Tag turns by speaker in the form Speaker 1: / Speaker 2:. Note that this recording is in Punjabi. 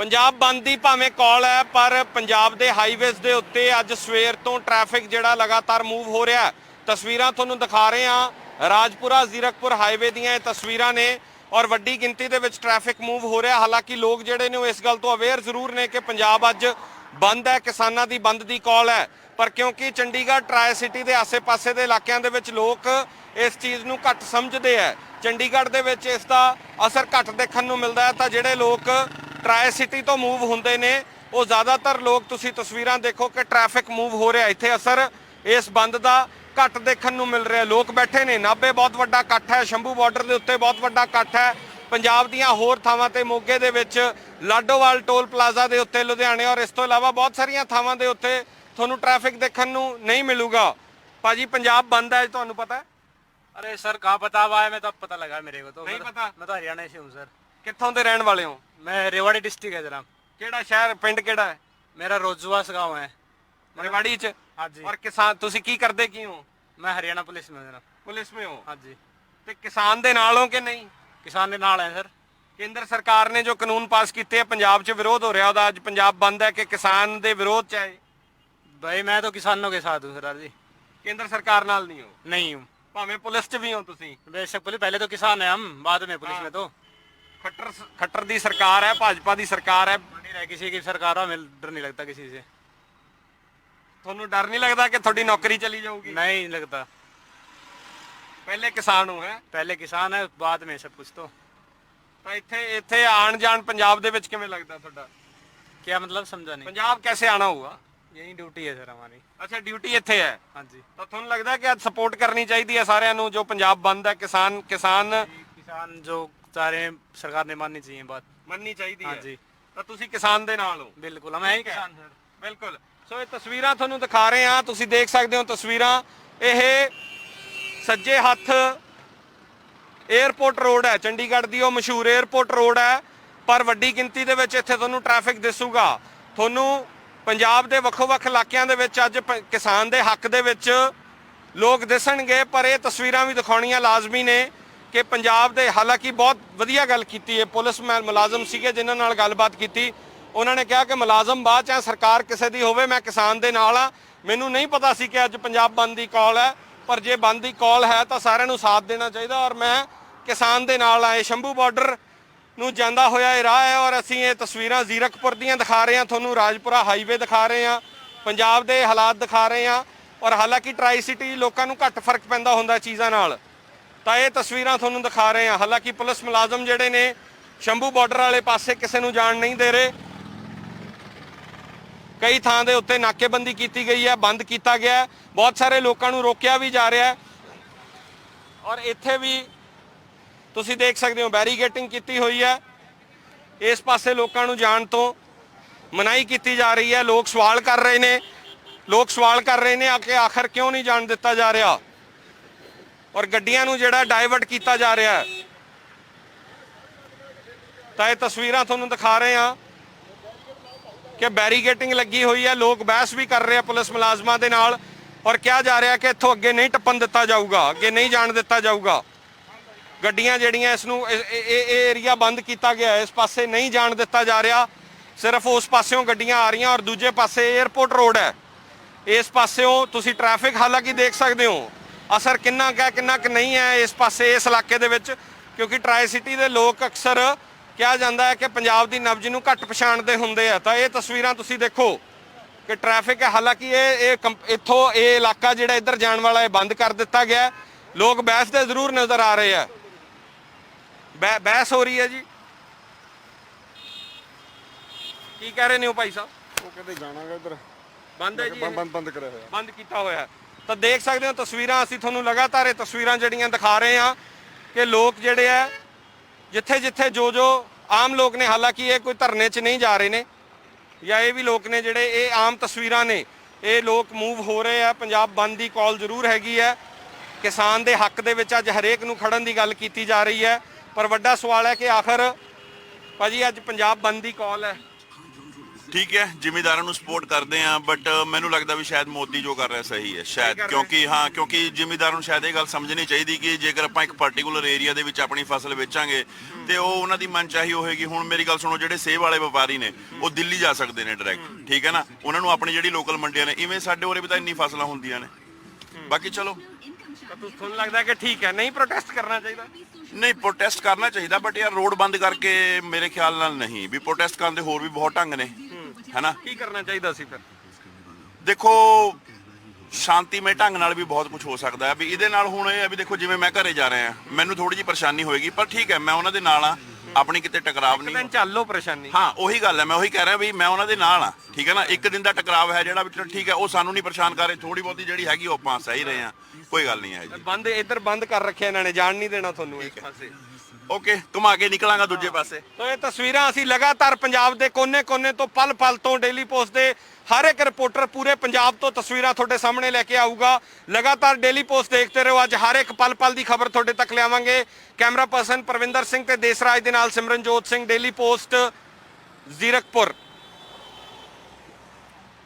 Speaker 1: ਪੰਜਾਬ ਬੰਦ ਦੀ ਭਾਵੇਂ ਕਾਲ ਹੈ ਪਰ ਪੰਜਾਬ ਦੇ ਹਾਈਵੇਜ਼ ਦੇ ਉੱਤੇ ਅੱਜ ਸਵੇਰ ਤੋਂ ਟ੍ਰੈਫਿਕ ਜਿਹੜਾ ਲਗਾਤਾਰ ਮੂਵ ਹੋ ਰਿਹਾ ਹੈ। ਤਸਵੀਰਾਂ ਤੁਹਾਨੂੰ ਦਿਖਾ ਰਹੇ ਹਾਂ ਰਾਜਪੁਰਾ ਜ਼ੀਰਕਪੁਰ ਹਾਈਵੇ ਦੀਆਂ ਇਹ ਤਸਵੀਰਾਂ ਨੇ ਔਰ ਵੱਡੀ ਗਿਣਤੀ ਦੇ ਵਿੱਚ ਟ੍ਰੈਫਿਕ ਮੂਵ ਹੋ ਰਿਹਾ। ਹਾਲਾਂਕਿ ਲੋਕ ਜਿਹੜੇ ਨੇ ਉਹ ਇਸ ਗੱਲ ਤੋਂ ਅਵੇਅਰ ਜ਼ਰੂਰ ਨੇ ਕਿ ਪੰਜਾਬ ਅੱਜ ਬੰਦ ਹੈ, ਕਿਸਾਨਾਂ ਦੀ ਬੰਦ ਦੀ ਕਾਲ ਹੈ, ਪਰ ਕਿਉਂਕਿ ਚੰਡੀਗੜ੍ਹ ਟਰਾਈ ਸਿਟੀ ਦੇ ਆਸੇ-ਪਾਸੇ ਦੇ ਇਲਾਕਿਆਂ ਦੇ ਵਿੱਚ ਲੋਕ ਇਸ ਚੀਜ਼ ਨੂੰ ਘੱਟ ਸਮਝਦੇ ਹੈ। ਚੰਡੀਗੜ੍ਹ ਦੇ ਵਿੱਚ ਇਸ ਦਾ ਅਸਰ ਘੱਟ ਦੇਖਣ ਨੂੰ ਮਿਲਦਾ ਹੈ ਤਾਂ ਜਿਹੜੇ ਲੋਕ ਟਰਾਈ ਸਿਟੀ ਤੋਂ ਮੂਵ ਹੁੰਦੇ ਨੇ ਉਹ ਜ਼ਿਆਦਾਤਰ ਲੋਕ ਤੁਸੀਂ ਤਸਵੀਰਾਂ ਦੇਖੋ ਕਿ ਟ੍ਰੈਫਿਕ ਮੂਵ ਹੋ ਰਿਹਾ। ਇੱਥੇ ਅਸਰ ਇਸ ਬੰਦ ਦਾ ਘੱਟ ਦੇਖਣ ਨੂੰ ਮਿਲ ਰਿਹਾ। ਲੋਕ ਬੈਠੇ ਨੇ, ਨਾਭੇ ਬਹੁਤ ਵੱਡਾ ਇਕੱਠ ਹੈ, ਸ਼ੰਭੂ ਬਾਰਡਰ ਦੇ ਉੱਤੇ ਬਹੁਤ ਵੱਡਾ ਇਕੱਠ ਹੈ, ਪੰਜਾਬ ਦੀਆਂ ਹੋਰ ਥਾਵਾਂ ਤੇ ਮੋਗੇ ਦੇ ਵਿੱਚ ਲਾਡੋਵਾਲ ਟੋਲ ਪਲਾਜ਼ਾ ਦੇ ਉੱਤੇ, ਲੁਧਿਆਣੇ ਔਰ ਇਸ ਤੋਂ ਇਲਾਵਾ ਬਹੁਤ ਸਾਰੀਆਂ ਥਾਵਾਂ ਦੇ ਉੱਤੇ ਤੁਹਾਨੂੰ ਟ੍ਰੈਫਿਕ ਦੇਖਣ ਨੂੰ ਨਹੀਂ ਮਿਲੂਗਾ। ਭਾਜੀ ਪੰਜਾਬ ਬੰਦ ਹੈ, ਤੁਹਾਨੂੰ ਪਤਾ ਹੈ?
Speaker 2: अरे सर कहाँ पता हुआ है, मैं तो अब पता लगा मेरे को तो
Speaker 1: नहीं पता?
Speaker 2: मैं तो हरियाणा से हूँ सर।
Speaker 1: ਕਿੱਥੋਂ ਦੇ ਰਹਿਣ ਵਾਲੇ ਹੋ?
Speaker 2: मैं रेवाड़ी डिस्ट्रिक्ट है जनाब।
Speaker 1: ਕਿਹੜਾ ਸ਼ਹਿਰ, ਪਿੰਡ ਕਿਹੜਾ ਹੈ?
Speaker 2: मेरा रोजुआस गाँव है।
Speaker 1: रेवाड़ी ਚ?
Speaker 2: हाँ जी।
Speaker 1: ਔਰ ਕਿਸਾਨ ਤੁਸੀਂ ਕੀ ਕਰਦੇ ਕੀ ਹੋ?
Speaker 2: मैं हरियाणा पुलिस में हूँ जनाब।
Speaker 1: ਪੁਲਿਸ में ਹੋ?
Speaker 2: हाँ जी।
Speaker 1: ਤੇ ਕਿਸਾਨ ਦੇ ਨਾਲ ਹੋ ਕਿ ਨਹੀਂ?
Speaker 2: किसान के नाल है सर।
Speaker 1: ਕੇਂਦਰ ਸਰਕਾਰ ਨੇ ਜੋ ਕਾਨੂੰਨ ਪਾਸ ਕੀਤੇ ਆ ਪੰਜਾਬ 'ਚ ਵਿਰੋਧ ਹੋ ਰਿਹਾ ਉਹਦਾ, ਅੱਜ ਪੰਜਾਬ ਬੰਦ ਹੈ ਕਿ ਕਿਸਾਨ ਦੇ ਵਿਰੋਧ 'ਚ ਹੈ?
Speaker 2: भाई मैं तो किसानों के साथ हूँ सर जी।
Speaker 1: ਕੇਂਦਰ ਸਰਕਾਰ ਨਾਲ ਨਹੀਂ ਹੋ?
Speaker 2: नहीं हूँ।
Speaker 1: ਭਾਵੇਂ ਪੁਲਿਸ 'ਚ ਵੀ ਹੋ ਤੁਸੀਂ?
Speaker 2: बेशक पुलिस, पहले तो किसान है हम, बाद में पुलिस
Speaker 1: हाँ।
Speaker 2: में तो
Speaker 1: ਖੱਟਰ ਦੀ ਸਰਕਾਰ ਹੈ, ਭਾਜਪਾ ਦੀ ਸਰਕਾਰ ਹੈ।
Speaker 2: नहीं रहे किसी की सरकार हो, हमें डर नहीं लगता किसी से।
Speaker 1: ਤੁਹਾਨੂੰ ਡਰ ਨਹੀਂ ਲੱਗਦਾ ਕਿ ਤੁਹਾਡੀ ਨੌਕਰੀ ਚਲੀ ਜਾਊਗੀ?
Speaker 2: नहीं लगता।
Speaker 1: ਪਹਿਲੇ ਕਿਸਾਨ ਹੋ ਹੈ?
Speaker 2: पहले किसान है, बाद में सब कुछ तो।
Speaker 1: ਤਾਂ ਇੱਥੇ ਆਣ ਜਾਣ ਪੰਜਾਬ ਦੇ ਵਿੱਚ ਕਿਵੇਂ ਲੱਗਦਾ ਤੁਹਾਡਾ?
Speaker 2: क्या मतलब समझा नहीं।
Speaker 1: ਪੰਜਾਬ कैसे आना होगा?
Speaker 2: यही ड्यूटी है सर हमारी।
Speaker 1: ਅੱਛਾ ਡਿਊਟੀ ਇੱਥੇ ਹੈ
Speaker 2: हाँ जी।
Speaker 1: ਤਾਂ ਤੁਹਾਨੂੰ ਲੱਗਦਾ ਕਿ ਅੱਜ ਸਪੋਰਟ ਕਰਨੀ ਚਾਹੀਦੀ ਹੈ ਸਾਰਿਆਂ ਨੂੰ ਜੋ ਪੰਜਾਬ ਬੰਦ ਹੈ? ਕਿਸਾਨ
Speaker 2: किसान जो चाह रहे हैं सरकार ने माननी चाहिए बात।
Speaker 1: ਮੰਨਣੀ ਚਾਹੀਦੀ
Speaker 2: हाँ
Speaker 1: ਹੈ
Speaker 2: जी
Speaker 1: ਤਾਂ ਤੁਸੀਂ ਕਿਸਾਨ ਦੇ ਨਾਲ ਹੋ?
Speaker 2: बिल्कुल, हम है ही किसान सर।
Speaker 1: ਬਿਲਕੁਲ। ਸੋ ਇਹ ਤਸਵੀਰਾਂ ਤੁਹਾਨੂੰ ਦਿਖਾ ਰਹੇ ਹਾਂ, ਤੁਸੀਂ ਦੇਖ ਸਕਦੇ ਹੋ ਤਸਵੀਰਾਂ। ਇਹ ਸੱਜੇ ਹੱਥ 에ਅਰਪੋਰਟ ਰੋਡ ਹੈ, ਚੰਡੀਗੜ੍ਹ ਦੀ ਉਹ ਮਸ਼ਹੂਰ 에ਅਰਪੋਰਟ ਰੋਡ ਹੈ, ਪਰ ਵੱਡੀ ਗਿਣਤੀ ਦੇ ਵਿੱਚ ਇੱਥੇ ਤੁਹਾਨੂੰ ਟ੍ਰੈਫਿਕ ਦਿਸੂਗਾ। ਤੁਹਾਨੂੰ ਪੰਜਾਬ ਦੇ ਵੱਖੋ-ਵੱਖ ਇਲਾਕਿਆਂ ਦੇ ਵਿੱਚ ਅੱਜ ਕਿਸਾਨ ਦੇ ਹੱਕ ਦੇ ਵਿੱਚ ਲੋਕ ਦਿਸਣਗੇ, ਪਰ ਇਹ ਤਸਵੀਰਾਂ ਵੀ ਦਿਖਾਉਣੀਆਂ ਲਾਜ਼ਮੀ ਨੇ ਕਿ ਪੰਜਾਬ ਦੇ, ਹਾਲਾਂਕਿ ਬਹੁਤ ਵਧੀਆ ਗੱਲ ਕੀਤੀ ਹੈ ਪੁਲਿਸ ਮੁਲਾਜ਼ਮ ਸੀਗੇ ਜਿਨ੍ਹਾਂ ਨਾਲ ਗੱਲਬਾਤ ਕੀਤੀ, ਉਹਨਾਂ ਨੇ ਕਿਹਾ ਕਿ ਮੁਲਾਜ਼ਮ ਬਾਅਦ ਚਾਹੇ ਸਰਕਾਰ ਕਿਸੇ ਦੀ ਹੋਵੇ, ਮੈਂ ਕਿਸਾਨ ਦੇ ਨਾਲ ਆ। ਮੈਨੂੰ ਨਹੀਂ ਪਤਾ ਸੀ ਕਿ ਅੱਜ ਪੰਜਾਬ ਬੰਦ ਦੀ ਕਾਲ ਹੈ, ਪਰ ਜੇ ਬੰਦ ਦੀ ਕਾਲ ਹੈ ਤਾਂ ਸਾਰਿਆਂ ਨੂੰ ਸਾਥ ਦੇਣਾ ਚਾਹੀਦਾ ਔਰ ਮੈਂ ਕਿਸਾਨ ਦੇ ਨਾਲ ਆਏ। ਸ਼ੰਭੂ ਬਾਰਡਰ ਨੂੰ ਜਾਂਦਾ ਹੋਇਆ ਇਹ ਰਾਹ ਹੈ ਔਰ ਅਸੀਂ ਇਹ ਤਸਵੀਰਾਂ ਜ਼ੀਰਕਪੁਰ ਦੀਆਂ ਦਿਖਾ ਰਹੇ ਹਾਂ, ਤੁਹਾਨੂੰ ਰਾਜਪੁਰਾ ਹਾਈਵੇ ਦਿਖਾ ਰਹੇ ਹਾਂ, ਪੰਜਾਬ ਦੇ ਹਾਲਾਤ ਦਿਖਾ ਰਹੇ ਹਾਂ। ਔਰ ਹਾਲਾਂਕਿ ਟਰਾਈ ਸਿਟੀ ਲੋਕਾਂ ਨੂੰ ਘੱਟ ਫਰਕ ਪੈਂਦਾ ਹੁੰਦਾ ਚੀਜ਼ਾਂ ਨਾਲ, ਤਾਂ ਇਹ ਤਸਵੀਰਾਂ ਤੁਹਾਨੂੰ ਦਿਖਾ ਰਹੇ ਹਾਂ। ਹਾਲਾਂਕਿ ਪੁਲਿਸ ਮੁਲਾਜ਼ਮ ਜਿਹੜੇ ਨੇ ਸ਼ੰਭੂ ਬਾਰਡਰ ਵਾਲੇ ਪਾਸੇ ਕਿਸੇ ਨੂੰ ਜਾਣ ਨਹੀਂ ਦੇ ਰਹੇ। ਕਈ ਥਾਂ ਦੇ ਉੱਤੇ ਨਾਕੇਬੰਦੀ ਕੀਤੀ ਗਈ ਹੈ, ਬੰਦ ਕੀਤਾ ਗਿਆ ਹੈ, ਬਹੁਤ ਸਾਰੇ ਲੋਕਾਂ ਨੂੰ ਰੋਕਿਆ ਵੀ ਜਾ ਰਿਹਾ ਹੈ ਔਰ ਇੱਥੇ ਵੀ ਤੁਸੀਂ ਦੇਖ ਸਕਦੇ ਹੋ ਬੈਰੀਗੇਟਿੰਗ ਕੀਤੀ ਹੋਈ ਹੈ। ਇਸ ਪਾਸੇ ਲੋਕਾਂ ਨੂੰ ਜਾਣ ਤੋਂ ਮਨਾਹੀ ਕੀਤੀ ਜਾ ਰਹੀ ਹੈ। ਲੋਕ ਸਵਾਲ ਕਰ ਰਹੇ ਨੇ ਕਿ ਆਖਰ ਕਿਉਂ ਨਹੀਂ ਜਾਣ ਦਿੱਤਾ ਜਾ ਰਿਹਾ ਔਰ ਗੱਡੀਆਂ ਨੂੰ ਜਿਹੜਾ ਡਾਇਵਰਟ ਕੀਤਾ ਜਾ ਰਿਹਾ ਹੈ। ਤਾਂ ਇਹ ਤਸਵੀਰਾਂ ਤੁਹਾਨੂੰ ਦਿਖਾ ਰਹੇ ਹਾਂ ਕਿ ਬੈਰੀਗੇਟਿੰਗ ਲੱਗੀ ਹੋਈ ਹੈ, ਲੋਕ ਬਹਿਸ ਵੀ ਕਰ ਰਹੇ ਆ ਪੁਲਿਸ ਮੁਲਾਜ਼ਮਾਂ ਦੇ ਨਾਲ ਔਰ ਕਿਹਾ ਜਾ ਰਿਹਾ ਕਿ ਇੱਥੋਂ ਅੱਗੇ ਨਹੀਂ ਟੱਪਣ ਦਿੱਤਾ ਜਾਊਗਾ, ਅੱਗੇ ਨਹੀਂ ਜਾਣ ਦਿੱਤਾ ਜਾਊਗਾ। ਗੱਡੀਆਂ ਜਿਹੜੀਆਂ ਇਸ ਨੂੰ ਇਹ ਏਰੀਆ ਬੰਦ ਕੀਤਾ ਗਿਆ, ਇਸ ਪਾਸੇ ਨਹੀਂ ਜਾਣ ਦਿੱਤਾ ਜਾ ਰਿਹਾ, ਸਿਰਫ ਉਸ ਪਾਸਿਓਂ ਗੱਡੀਆਂ ਆ ਰਹੀਆਂ ਔਰ ਦੂਜੇ ਪਾਸੇ 에ਅਰਪੋਰਟ ਰੋਡ ਹੈ। ਇਸ ਪਾਸਿਓਂ ਤੁਸੀਂ ਟ੍ਰੈਫਿਕ ਹਾਲਾਂਕਿ ਦੇਖ ਸਕਦੇ ਹੋ, ਅਸਰ ਕਿੰਨਾ ਕੁ ਨਹੀਂ ਹੈ ਇਸ ਪਾਸੇ, ਇਸ ਇਲਾਕੇ ਦੇ ਵਿੱਚ, ਕਿਉਂਕਿ ਟਰਾਈ ਸਿਟੀ ਦੇ ਲੋਕ ਅਕਸਰ ਕਿਹਾ ਜਾਂਦਾ ਹੈ ਕਿ ਪੰਜਾਬ ਦੀ ਨਬਜ਼ ਨੂੰ ਘੱਟ ਪਛਾਣਦੇ ਹੁੰਦੇ ਆ। ਤਾਂ ਇਹ ਤਸਵੀਰਾਂ ਤੁਸੀਂ ਦੇਖੋ ਕਿ ਟ੍ਰੈਫਿਕ ਹੈ, ਹਾਲਾਂਕਿ ਇੱਥੋਂ ਇਹ ਇਲਾਕਾ ਜਿਹੜਾ ਇੱਧਰ ਜਾਣ ਵਾਲਾ ਇਹ ਬੰਦ ਕਰ ਦਿੱਤਾ ਗਿਆ। ਲੋਕ ਬਹਿਸ ਦੇ ਜ਼ਰੂਰ ਨਜ਼ਰ ਆ ਰਹੇ ਆ, ਬਹਿਸ ਹੋ ਰਹੀ ਹੈ ਜੀ। ਕੀ ਕਹਿ ਰਹੇ ਨੇ ਉਹ ਭਾਈ ਸਾਹਿਬ?
Speaker 3: ਉਹ ਕਹਿੰਦੇ ਜਾਣਾਗਾ ਇੱਧਰ
Speaker 1: ਬੰਦ ਹੈ ਜੀ,
Speaker 3: ਬੰਦ ਕਰਿਆ ਹੋਇਆ,
Speaker 1: ਬੰਦ ਕੀਤਾ ਹੋਇਆ। ਤਾਂ ਦੇਖ ਸਕਦੇ ਹੋ ਤਸਵੀਰਾਂ, ਅਸੀਂ ਤੁਹਾਨੂੰ ਲਗਾਤਾਰ ਇਹ ਤਸਵੀਰਾਂ ਜਿਹੜੀਆਂ ਦਿਖਾ ਰਹੇ ਹਾਂ ਕਿ ਲੋਕ ਜਿਹੜੇ ਆ ਜਿੱਥੇ ਜੋ ਆਮ ਲੋਕ ਨੇ, ਹਾਲਾਂਕਿ ਇਹ ਕੋਈ ਧਰਨੇ 'ਚ ਨਹੀਂ ਜਾ ਰਹੇ ਨੇ ਜਾਂ ਇਹ ਵੀ ਲੋਕ ਨੇ ਜਿਹੜੇ, ਇਹ ਆਮ ਤਸਵੀਰਾਂ ਨੇ, ਇਹ ਲੋਕ ਮੂਵ ਹੋ ਰਹੇ ਆ। ਪੰਜਾਬ ਬੰਦ ਦੀ ਕਾਲ ਜ਼ਰੂਰ ਹੈਗੀ ਹੈ, ਕਿਸਾਨ ਦੇ ਹੱਕ ਦੇ ਵਿੱਚ ਅੱਜ ਹਰੇਕ ਨੂੰ ਖੜਨ ਦੀ ਗੱਲ ਕੀਤੀ ਜਾ ਰਹੀ ਹੈ, ਪਰ ਵੱਡਾ ਸਵਾਲ ਹੈ ਕਿ ਆਖਰ ਭਾਜੀ ਅੱਜ ਪੰਜਾਬ ਬੰਦ ਦੀ ਕਾਲ ਹੈ,
Speaker 4: ਠੀਕ ਹੈ, ਜ਼ਿਮੀਂਦਾਰਾਂ ਨੂੰ ਸਪੋਰਟ ਕਰਦੇ ਆ, ਬਟ ਮੈਨੂੰ ਲੱਗਦਾ ਵੀ ਸ਼ਾਇਦ ਮੋਦੀ ਜੋ ਕਰ ਰਿਹਾ ਸਹੀ ਹੈ ਸ਼ਾਇਦ, ਕਿਉਂਕਿ ਜ਼ਿਮੀਂਦਾਰਾਂ ਨੂੰ ਸ਼ਾਇਦ ਇਹ ਗੱਲ ਸਮਝਣੀ ਚਾਹੀਦੀ ਕਿ ਜੇਕਰ ਆਪਾਂ ਇੱਕ ਪਾਰਟਿਕੂਲਰ ਏਰੀਆ ਦੇ ਵਿੱਚ ਆਪਣੀ ਫਸਲ ਵੇਚਾਂਗੇ ਤੇ ਉਹ ਉਹਨਾਂ ਦੀ ਮਨਚਾਹੀ ਹੋਏਗੀ। ਹੁਣ ਮੇਰੀ ਗੱਲ ਸੁਣੋ, ਜਿਹੜੇ ਸੇਬ ਵਾਲੇ ਵਪਾਰੀ ਨੇ ਉਹ ਦਿੱਲੀ ਜਾ ਸਕਦੇ ਨੇ ਡਾਇਰੈਕਟ, ਠੀਕ ਹੈ ਨਾ, ਉਹਨਾਂ ਨੂੰ ਆਪਣੀ ਜਿਹੜੀ ਲੋਕਲ ਮੰਡੀਆਂ ਨੇ, ਇਵੇਂ ਸਾਡੇ ਉਰੇ ਵੀ ਤਾਂ ਇੰਨੀ ਫਸਲਾਂ ਹੁੰਦੀਆਂ ਨੇ। ਬਾਕੀ ਚਲੋ,
Speaker 1: ਤੁਹਾਨੂੰ ਲੱਗਦਾ ਕਿ ਠੀਕ ਹੈ, ਨਹੀਂ ਪ੍ਰੋਟੈਸਟ ਕਰਨਾ ਚਾਹੀਦਾ?
Speaker 4: ਨਹੀਂ, ਪ੍ਰੋਟੈਸਟ ਕਰਨਾ ਚਾਹੀਦਾ, ਬਟ ਯਾਰ ਰੋਡ ਬੰਦ ਕਰਕੇ ਮੇਰੇ ਖਿਆਲ ਨਾਲ ਨਹੀਂ। ਵੀ ਪ੍ਰੋਟੈਸਟ ਕਰਨ ਦੇ ਹੋਰ ਵੀ ਬਹੁਤ ਢੰਗ ਨੇ, ਹੈਨਾ।
Speaker 1: ਕੀ ਕਰਨਾ ਚਾਹੀਦਾ ਸੀ ਫਿਰ?
Speaker 4: ਦੇਖੋ, ਸ਼ਾਂਤੀਮਈ ਢੰਗ ਨਾਲ ਵੀ ਬਹੁਤ ਕੁਝ ਹੋ ਸਕਦਾ ਹੈ। ਵੀ ਇਹਦੇ ਨਾਲ ਹੁਣ ਇਹ ਹੈ ਵੀ ਦੇਖੋ, ਜਿਵੇਂ ਮੈਂ ਘਰੇ ਜਾ ਰਿਹਾ ਮੈਨੂੰ ਥੋੜੀ ਜਿਹੀ ਪਰੇਸ਼ਾਨੀ ਹੋਏਗੀ, ਪਰ ਠੀਕ ਹੈ, ਮੈਂ ਉਹਨਾਂ ਦੇ ਨਾਲ ਆ, ਆਪਣੀ ਕਿਤੇ ਟਕਰਾਵ ਨਹੀਂ।
Speaker 1: ਚੱਲ ਲੋ ਪਰੇਸ਼ਾਨੀ।
Speaker 4: ਹਾਂ, ਉਹੀ ਗੱਲ ਹੈ, ਮੈਂ ਉਹੀ ਕਹਿ ਰਿਹਾ ਵੀ ਮੈਂ ਉਹਨਾਂ ਦੇ ਨਾਲ ਆ, ਠੀਕ ਹੈ ਨਾ। ਇੱਕ ਦਿਨ ਦਾ ਟਕਰਾਵ ਹੈ ਜਿਹੜਾ, ਵੀ ਠੀਕ ਹੈ, ਉਹ ਸਾਨੂੰ ਨਹੀਂ ਪਰੇਸ਼ਾਨ ਕਰ ਰਹੇ, ਥੋੜੀ ਬਹੁਤੀ ਜਿਹੜੀ ਹੈਗੀ ਉਹ ਆਪਾਂ ਸਹੀ ਰਹੇ ਆ, ਕੋਈ ਗੱਲ ਨਹੀਂ ਹੈ ਜੀ।
Speaker 1: ਬੰਦ ਇੱਧਰ ਬੰਦ ਕਰ ਰੱਖਿਆ ਇਹਨਾਂ ਨੇ, ਜਾਣ ਨਹੀਂ ਦੇਣਾ ਤੁਹਾਨੂੰ ਇਸ ਪਾਸੇ।
Speaker 4: ਓਕੇ, ਘੁਮਾ ਕੇ ਨਿਕਲਾਂਗਾ ਦੂਜੇ ਪਾਸੇ।
Speaker 1: ਸੋ ਇਹ ਤਸਵੀਰਾਂ ਅਸੀਂ ਲਗਾਤਾਰ ਪੰਜਾਬ ਦੇ ਕੋਨੇ-ਕੋਨੇ ਤੋਂ, ਪਲ-ਪਲ ਤੋਂ, ਡੇਲੀ ਪੋਸਟ ਦੇ ਹਰ ਇੱਕ ਰਿਪੋਰਟਰ ਪੂਰੇ ਪੰਜਾਬ ਤੋਂ ਤਸਵੀਰਾਂ ਤੁਹਾਡੇ ਸਾਹਮਣੇ ਲੈ ਕੇ ਆਊਗਾ। ਲਗਾਤਾਰ ਡੇਲੀ ਪੋਸਟ ਦੇਖਦੇ ਰਹੋ, ਅੱਜ ਹਰ ਇੱਕ ਪਲ-ਪਲ ਦੀ ਖਬਰ ਤੁਹਾਡੇ ਤੱਕ ਲਿਆਵਾਂਗੇ। ਕੈਮਰਾ ਪਰਸਨ ਪਰਵਿੰਦਰ ਸਿੰਘ ਤੇ ਦੇਸਰਾਜ ਦੇ ਨਾਲ ਸਿਮਰਨਜੋਤ ਸਿੰਘ, ਡੇਲੀ ਪੋਸਟ, ਜ਼ੀਰਕਪੁਰ।